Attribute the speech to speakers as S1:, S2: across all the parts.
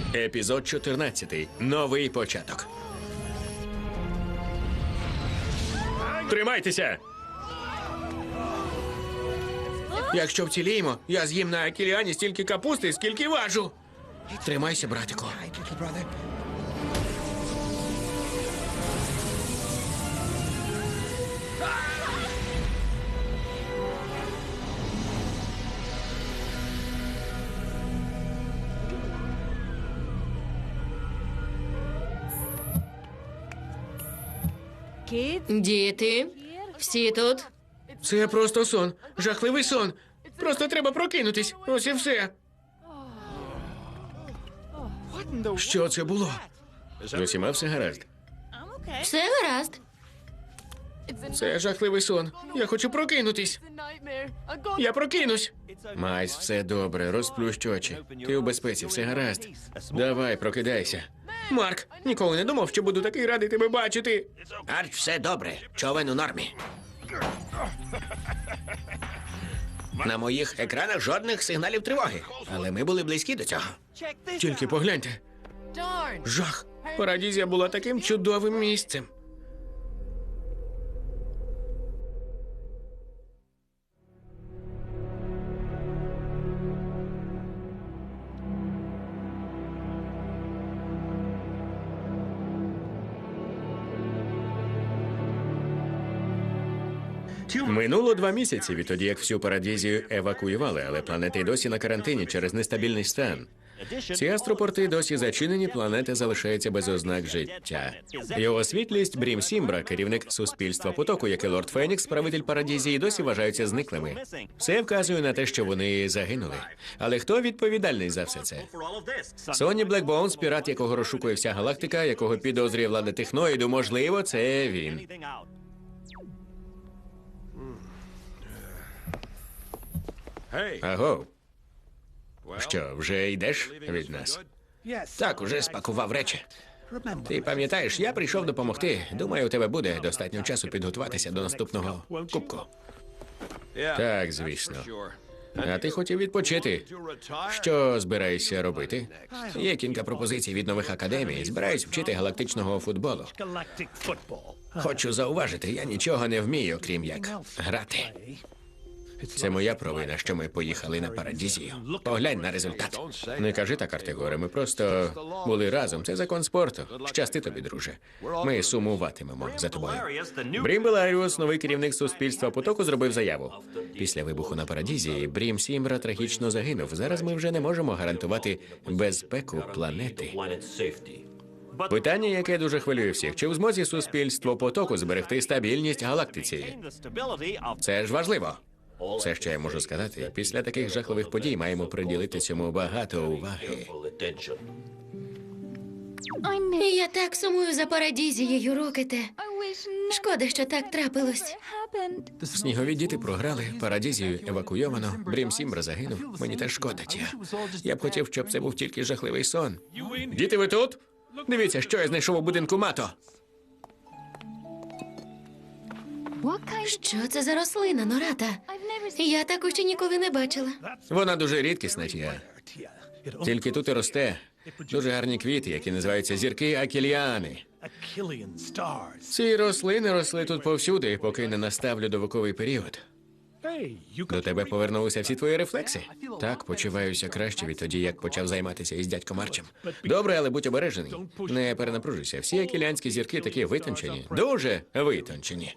S1: Епізод 14. Новий початок. Тримайтеся! Якщо вціліємо, я з'їм на Акіліані стільки капусти, скільки важу. Тримайся, братику.
S2: Діти, всі тут?
S1: Це просто сон. Жахливий сон. Просто треба прокинутись. Ось і все. Що це було? З усіма все гаразд.
S2: Все гаразд.
S1: Це жахливий сон. Я хочу прокинутись. Я прокинусь. Майс, все добре, розплющ очі. Ти у безпеці, все гаразд. Давай, прокидайся. Марк, ніколи не думав, що буду такий радий тебе бачити. Арч, все добре. Човен у нормі. На моїх екранах жодних сигналів тривоги. Але ми були близькі до цього. Тільки погляньте. Жах. Парадізія була таким чудовим місцем. Минуло 2 місяці відтоді, як всю Парадізію евакуювали, але планети й досі на карантині через нестабільний стан. Ці астропорти досі зачинені, планета залишається без ознак життя. Його світлість Брім Сімбра, керівник суспільства потоку, як і Лорд Фенікс, правитель Парадізії, досі вважаються зниклими. Все вказує на те, що вони загинули. Але хто відповідальний за все це? Сонні Блекбоунс, пірат, якого розшукує вся галактика, якого підозрює влада техноїду, можливо, це він. Аго. Що, вже йдеш від нас? Так, уже спакував речі. Ти пам'ятаєш, я прийшов допомогти. Думаю, у тебе буде достатньо часу підготуватися до наступного кубку. Так, звісно. А ти хотів відпочити. Що збираєшся робити? Є кілька пропозицій від нових академій. Збираюсь вчити галактичного футболу. Хочу зауважити, я нічого не вмію, крім як грати. Це моя провина, що ми поїхали на Парадізію. Поглянь на результат. Не кажи так, Артегоре, ми просто були разом. Це закон спорту. Щасти тобі, друже. Ми сумуватимемо за тобою. Брім Беларіус, новий керівник суспільства потоку, зробив заяву. Після вибуху на Парадізії Брім Сімбра трагічно загинув. Зараз ми вже не можемо гарантувати безпеку планети. Питання, яке дуже хвилює всіх. Чи в змозі суспільство потоку зберегти стабільність галактиці? Це ж важливо. Все, що я можу сказати, після таких жахливих подій маємо приділити цьому багато уваги.
S2: Я так сумую за Парадізією, Рокете. Шкода, що так трапилось.
S1: Снігові діти програли, Парадізію евакуйовано, Брім Сімбра загинув. Мені теж шкода, Тія. Я б хотів, щоб це був тільки жахливий сон. Діти, ви тут? Дивіться, що я знайшов у будинку Мато.
S2: Що це за рослина, Нората? Я таку ще ніколи не бачила.
S1: Вона дуже рідкісна, Тія. Тільки тут і росте. Дуже гарні квіти, які називаються зірки Акіліани. Ці рослини росли тут повсюди, поки не настав льодовиковий період. До тебе повернулися всі твої рефлекси? Так, почуваюся краще відтоді, як почав займатися із дядьком Арчем. Добре, але будь обережений. Не перенапружуйся. Всі акіліанські зірки такі витончені. Дуже витончені.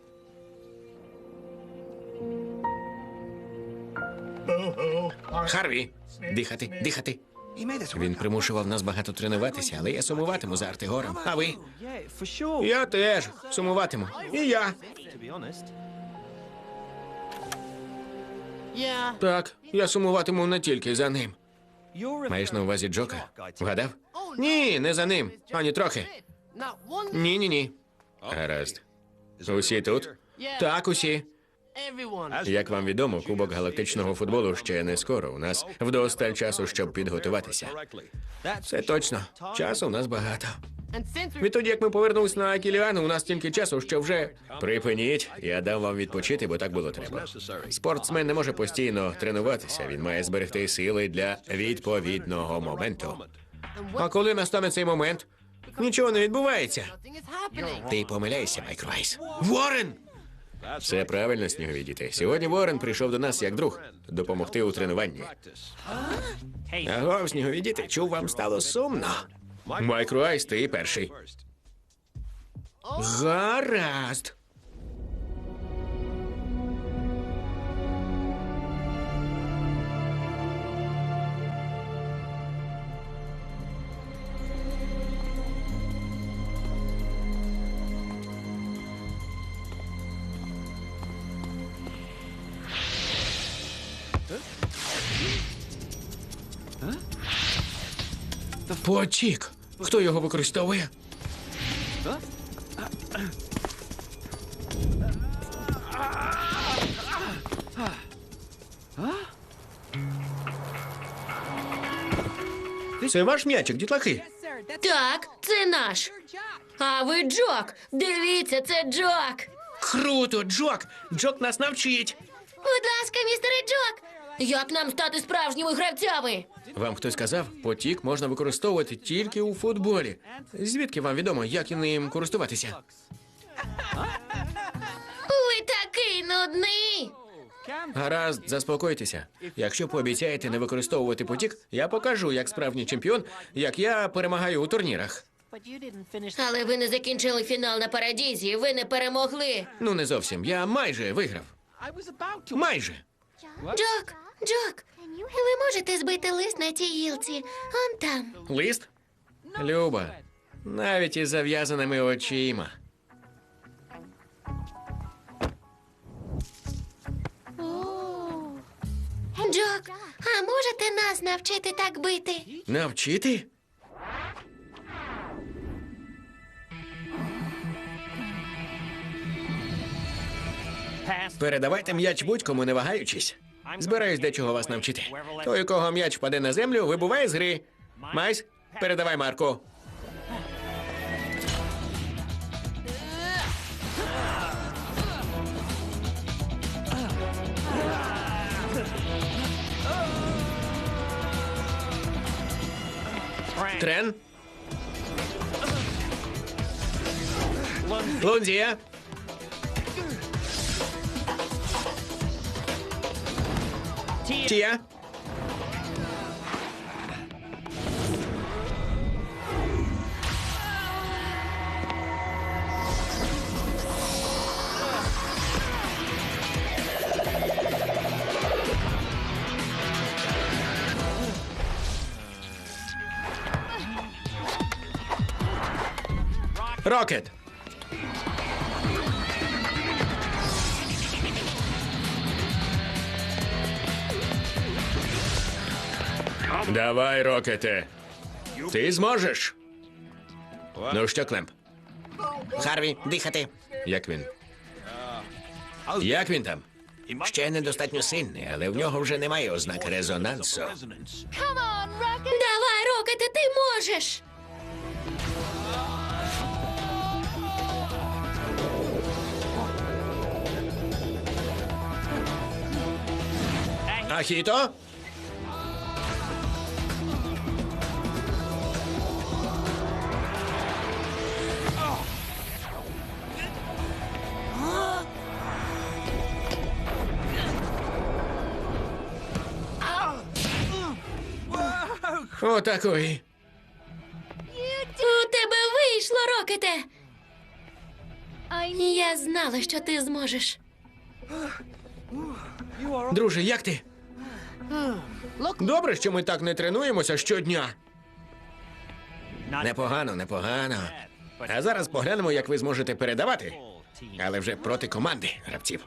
S1: Харві! Дихати, дихати. Він примушував нас багато тренуватися, але я сумуватиму за Артегором. А ви? Я теж сумуватиму. І я. Так, я сумуватиму не тільки за ним. Маєш на увазі Джока? Вгадав? Ні, не за ним. Ані трохи. Ні. Гаразд. Усі тут? Так, усі. Як вам відомо, Кубок галактичного футболу ще не скоро. У нас вдосталь часу, щоб підготуватися. Це точно. Часу у нас багато. Відтоді, як ми повернулись на Акіліану, у нас тільки часу, що вже... Припиніть, я дам вам відпочити, бо так було треба. Спортсмен не може постійно тренуватися, він має зберегти сили для відповідного моменту. А коли настане цей момент? Нічого не відбувається. Ти помиляєшся, Майк Райс. Ворен! Все правильно, снігові діти. Сьогодні Ворен прийшов до нас як друг допомогти у тренуванні. Аго, снігові діти, чув, вам стало сумно. Майк Райс, ти перший. Гаразд. Потік. Хто його використовує? Це ваш м'ячик, дітлахи.
S2: Так, це наш. А ви Джок. Дивіться, це Джок.
S1: Круто, Джок! Джок нас навчить.
S2: Будь ласка, містере Джок. Як нам стати справжніми гравцями?
S1: Вам хтось сказав, потік можна використовувати тільки у футболі. Звідки вам відомо, як ним користуватися?
S2: Ви такий нудний.
S1: Гаразд, заспокойтеся. Якщо пообіцяєте не використовувати потік, я покажу, як справжній чемпіон, як я перемагаю у турнірах.
S2: Але ви не закінчили фінал на Парадізі, ви не перемогли.
S1: Ну, не зовсім. Я майже виграв. Майже.
S2: Джок, ви можете збити лист на цій гілці? Он там.
S1: Лист? Люба, навіть із зав'язаними очима.
S2: Джок, а можете нас навчити так бити?
S1: Навчити? Передавайте м'яч будь-кому, не вагаючись. Збираюсь дечого вас навчити. Той, у кого м'яч впаде на землю, вибуває з гри. Майс, передавай Марку. Трен. Лунзія. Тія. Рокет. Давай, Рокете. Ти зможеш. Ну що, Клемп? Харві, дихати. Як він? Як він там? Ще недостатньо сильний, але в нього вже немає ознак резонансу.
S2: Давай, Рокете, ти можеш.
S1: Ахіто? Отакої.
S2: У тебе вийшло, Рокете. Я знала, що ти зможеш.
S1: Друже, як ти? Добре, що ми так не тренуємося щодня. Непогано, непогано. А зараз поглянемо, як ви зможете передавати. Але вже проти команди гравців.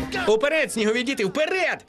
S1: Уперед, снігові діти, вперед!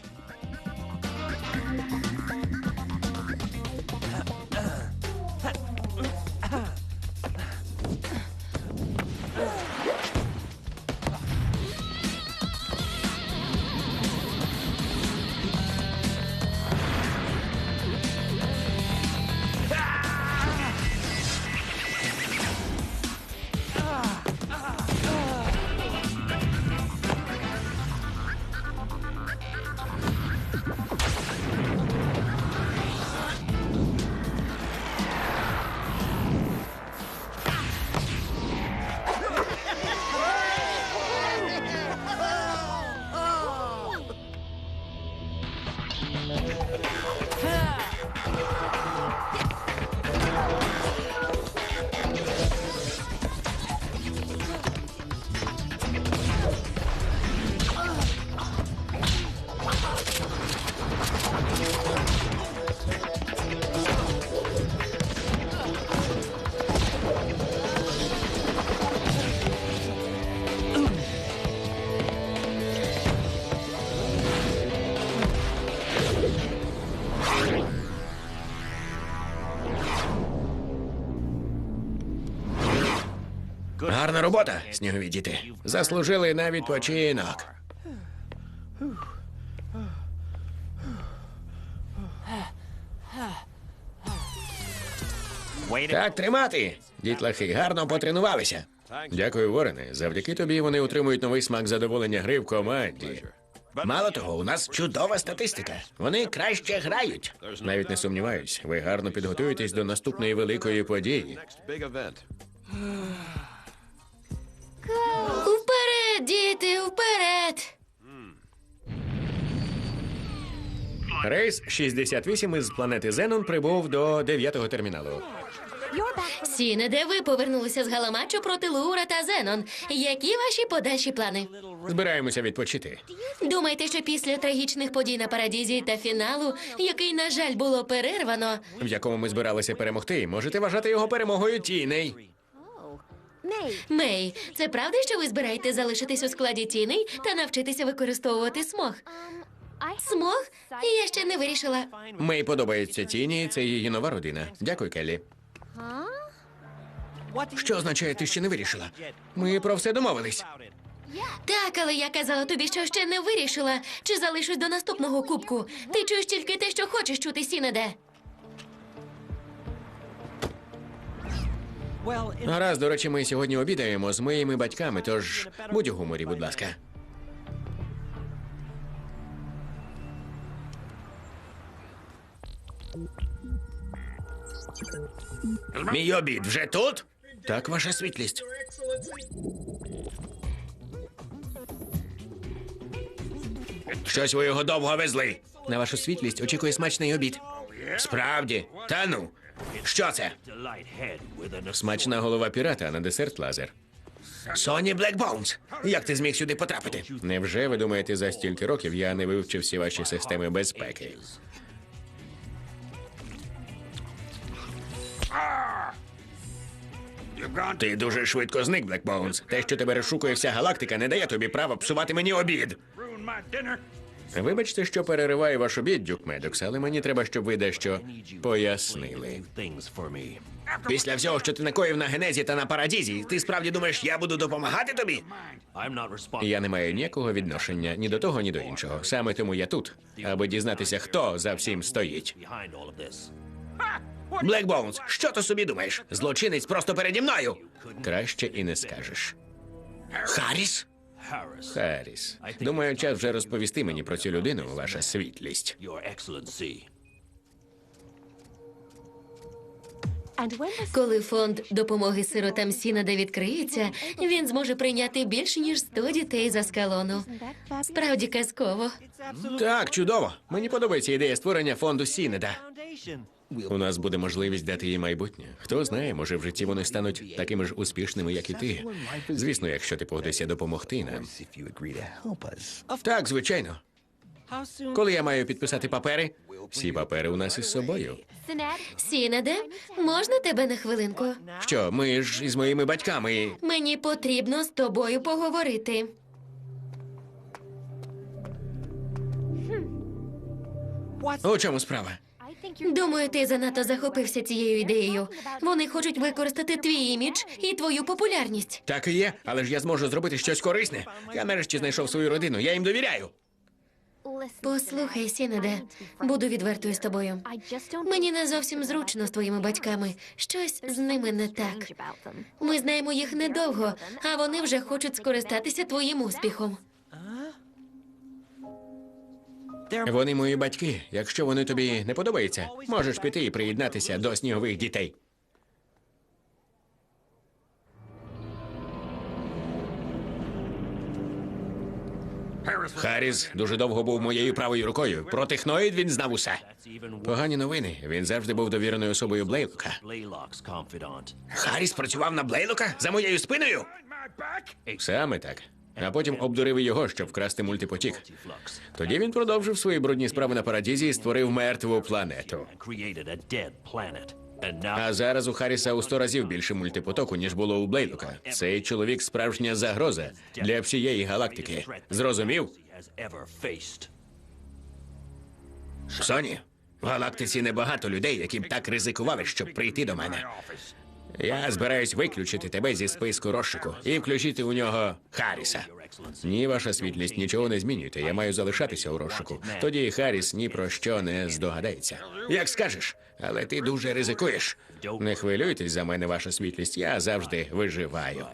S1: Гарна робота, снігові діти. Заслужили на відпочинок. Так тримати. Дітлахи гарно потренувалися. Дякую, Ворене. Завдяки тобі вони отримують новий смак задоволення гри в команді. Мало того, у нас чудова статистика. Вони краще грають. Навіть не сумніваюсь, ви гарно підготуєтесь до наступної великої події.
S2: Вперед, діти, вперед!
S1: Рейс 68 із планети Зенон прибув до 9-го терміналу.
S2: Сінеде, ви повернулися з галаматчу проти Луура та Зенон. Які ваші подальші плани?
S1: Збираємося відпочити.
S2: Думаєте, що після трагічних подій на Парадізі та фіналу, який, на жаль, було перервано,
S1: В якому ми збиралися перемогти, можете вважати його перемогою Тіней.
S2: Мей, це правда, що ви збираєтесь залишитись у складі тіней та навчитися використовувати смог? Смог? Я ще не вирішила.
S1: Мей подобається Тіні, це її нова родина. Дякую, Келлі. Що означає, ти ще не вирішила? Ми про все домовились.
S2: Так, але я казала тобі, що ще не вирішила, чи залишусь до наступного кубку. Ти чуєш тільки те, що хочеш чути, Сінеде.
S1: Гаразд, до речі, ми сьогодні обідаємо з моїми батьками, тож будь у гуморі, будь ласка. Мій обід вже тут? Так, ваша світлість. Щось ви його довго везли. На вашу світлість очікує смачний обід. Справді? Та ну. Що це? Смачна голова пірата, а на десерт лазер. Соні Блекбоунс, як ти зміг сюди потрапити? Невже ви думаєте, за стільки років я не вивчив всі ваші системи безпеки? Ти дуже швидко зник, Блекбоунс. Те, що тебе розшукує вся галактика, не дає тобі права псувати мені обід. Вибачте, що перериваю ваш обід, Дюк Медокс, але мені треба, щоб ви дещо пояснили. Після всього, що ти накоїв на Генезі та на Парадізі, ти справді думаєш, я буду допомагати тобі? Я не маю ніякого відношення ні до того, ні до іншого. Саме тому я тут, аби дізнатися, хто за всім стоїть. Блекбоунс, що ти собі думаєш? Злочинець просто переді мною. Краще і не скажеш. Харріс? Харріс. Думаю, час вже розповісти мені про цю людину, ваша світлість.
S2: Коли фонд допомоги сиротам Сінеде відкриється, він зможе прийняти більше, ніж 100 дітей з Аскалону. Справді казково.
S1: Так, чудово. Мені подобається ідея створення фонду Сінеда. У нас буде можливість дати їй майбутнє. Хто знає, може в житті вони стануть такими ж успішними, як і ти. Звісно, якщо ти погодишся допомогти нам. Так, звичайно. Коли я маю підписати папери? Всі папери у нас із собою.
S2: Сінеде, можна тебе на хвилинку?
S1: Що, ми ж із моїми батьками.
S2: Мені потрібно з тобою поговорити.
S1: У чому справа?
S2: Думаю, ти занадто захопився цією ідеєю. Вони хочуть використати твій імідж і твою популярність.
S1: Так і є, але ж я зможу зробити щось корисне. Я нарешті знайшов свою родину, я їм довіряю.
S2: Послухай, Сінаде, буду відвертою з тобою. Мені не зовсім зручно з твоїми батьками. Щось з ними не так. Ми знаємо їх недовго, а вони вже хочуть скористатися твоїм успіхом.
S1: Вони мої батьки. Якщо вони тобі не подобаються, можеш піти і приєднатися до снігових дітей. Харріс дуже довго був моєю правою рукою. Про техноїд він знав усе. Погані новини. Він завжди був довіреною особою Блейлока. Харріс працював на Блейлока за моєю спиною? Саме так. А потім обдурив його, щоб вкрасти мультипотік. Тоді він продовжив свої брудні справи на Парадізі і створив мертву планету. А зараз у Харріса у 100 разів більше мультипотоку, ніж було у Блейлока. Цей чоловік справжня загроза для всієї галактики. Зрозумів? Соні, в галактиці небагато людей, які б так ризикували, щоб прийти до мене. Я збираюсь виключити тебе зі списку розшуку і включити у нього Харріса. Ні, ваша світлість, нічого не змінюйте. Я маю залишатися у розшуку. Тоді Харріс ні про що не здогадається. Як скажеш, але ти дуже ризикуєш. Не хвилюйтесь за мене, ваша світлість. Я завжди виживаю.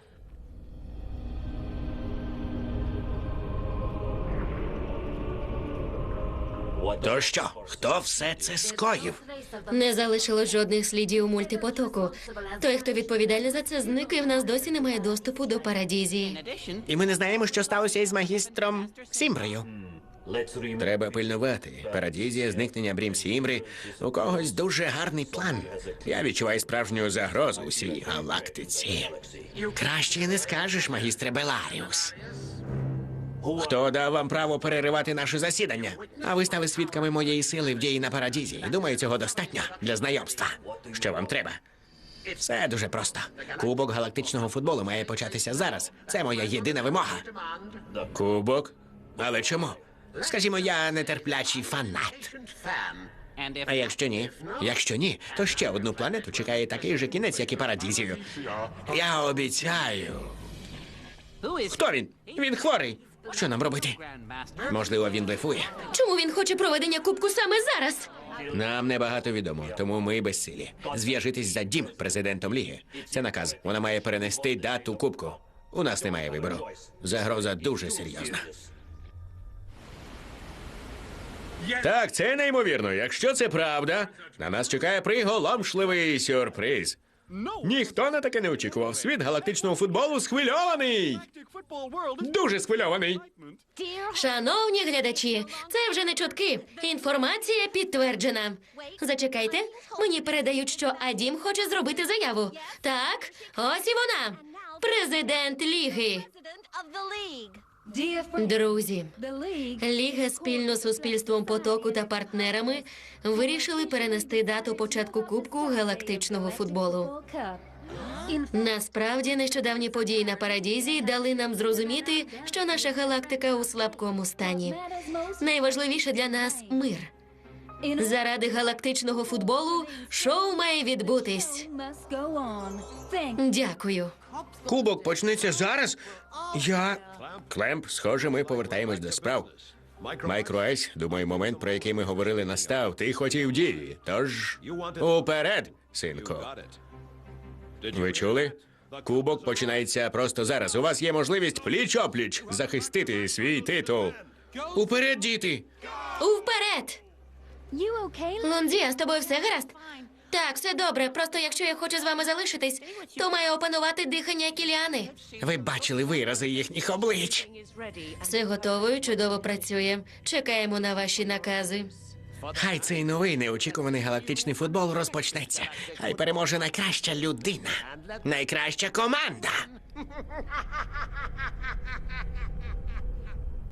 S1: То що? Хто все це скоїв?
S2: Не залишилось жодних слідів мультипотоку. Той, хто відповідальний за це, зник, і в нас досі немає доступу до Парадізії.
S1: І ми не знаємо, що сталося із магістром Сімброю. Треба пильнувати. Парадізія, зникнення Брім Сімбри. У когось дуже гарний план. Я відчуваю справжню загрозу усій галактиці. Краще не скажеш, магістре Беларіус. Хто дав вам право переривати наше засідання? А ви стали свідками моєї сили в дії на Парадізі. Думаю, цього достатньо для знайомства. Що вам треба? Все дуже просто. Кубок галактичного футболу має початися зараз. Це моя єдина вимога. Кубок? Але чому? Скажімо, я нетерплячий фанат. А якщо ні? Якщо ні, то ще одну планету чекає такий же кінець, як і Парадізію. Я обіцяю. Хто він? Він хворий. Що нам робити? Можливо, він блефує.
S2: Чому він хоче проведення кубку саме зараз?
S1: Нам небагато відомо, тому ми безсилі. Зв'яжитись за Дім, президентом Ліги. Це наказ. Вона має перенести дату кубку. У нас немає вибору. Загроза дуже серйозна. Так, це неймовірно. Якщо це правда, на нас чекає приголомшливий сюрприз. Ніхто на таке не очікував. Світ галактичного футболу схвильований. Дуже схвильований.
S2: Шановні глядачі, це вже не чутки. Інформація підтверджена. Зачекайте, мені передають, що Адім хоче зробити заяву. Так, ось і вона. Президент Ліги. Друзі, Ліга спільно з суспільством потоку та партнерами вирішили перенести дату початку Кубку галактичного футболу. Насправді, нещодавні події на Парадізі дали нам зрозуміти, що наша галактика у слабкому стані. Найважливіше для нас – мир. Заради галактичного футболу шоу має відбутись. Дякую.
S1: Кубок почнеться зараз? Клемп, схоже, ми повертаємось до справ. Майкроайс, думаю, момент, про який ми говорили, настав. Ти хотів дії. Тож, уперед, синку. Ви чули? Кубок починається просто зараз. У вас є можливість пліч-опліч захистити свій титул. Уперед, діти!
S2: Уперед! Лондзія, з тобою все гаразд? Так, все добре. Просто якщо я хочу з вами залишитись, то маю опанувати дихання Кіліани.
S1: Ви бачили вирази їхніх облич.
S2: Все готово і чудово працює. Чекаємо на ваші накази.
S1: Хай цей новий неочікуваний галактичний футбол розпочнеться. Хай переможе найкраща людина. Найкраща команда.